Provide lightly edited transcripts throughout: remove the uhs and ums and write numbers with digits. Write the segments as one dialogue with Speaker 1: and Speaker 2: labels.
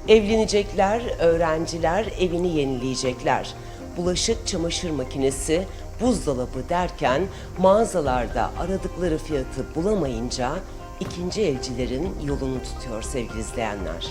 Speaker 1: Evlenecekler, öğrenciler evini yenileyecekler. Bulaşık, çamaşır makinesi, buzdolabı derken mağazalarda aradıkları fiyatı bulamayınca ikinci elcilerin yolunu tutuyor sevgili izleyenler.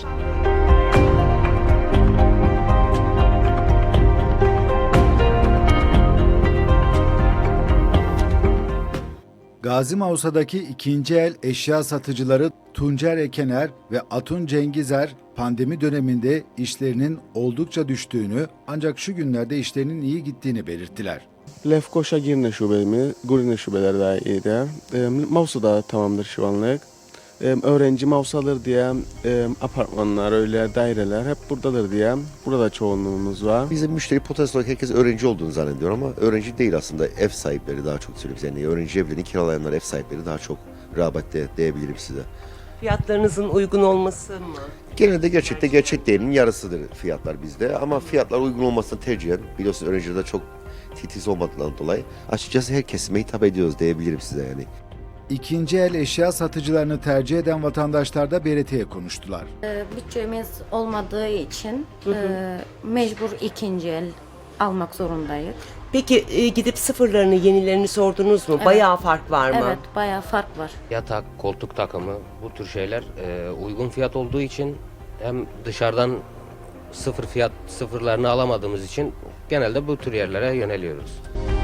Speaker 2: Gazi Mavsa'daki ikinci el eşya satıcıları Tuncer Ekener ve Atun Cengizer pandemi döneminde işlerinin oldukça düştüğünü ancak şu günlerde işlerinin iyi gittiğini belirttiler.
Speaker 3: Lefkoşa Girne şubemi, Gurine şubeler iyiydi. Mavsa'da tamamdır şu anlık. Öğrenci Mavsa'dır diye apartmanlar, öyle daireler hep buradadır diye. Burada çoğunluğumuz var.
Speaker 4: Bizim müşteri potansiyel olarak herkes öğrenci olduğunu zannediyor ama öğrenci değil aslında. Ev sahipleri daha çok söylüyoruz. Yani öğrenci evlerini kiralayanlar, ev sahipleri daha çok rağbette diyebilirim size.
Speaker 1: Fiyatlarınızın uygun olması mı?
Speaker 4: Genelde gerçek değerinin yarısıdır fiyatlar bizde ama fiyatlar uygun olmasını tercihen, biliyorsunuz öğrencilerde çok titiz olmadığından dolayı açıkçası her kesime hitap ediyoruz diyebilirim size yani.
Speaker 2: İkinci el eşya satıcılarını tercih eden vatandaşlar da BRT'ye konuştular.
Speaker 5: Bütçemiz olmadığı için mecbur ikinci el almak zorundayız.
Speaker 1: Peki gidip sıfırlarını, yenilerini sordunuz mu?
Speaker 5: Evet.
Speaker 1: Bayağı fark var mı?
Speaker 5: Evet, bayağı fark var.
Speaker 6: Yatak, koltuk takımı bu tür şeyler uygun fiyat olduğu için hem dışarıdan sıfırlarını alamadığımız için genelde bu tür yerlere yöneliyoruz.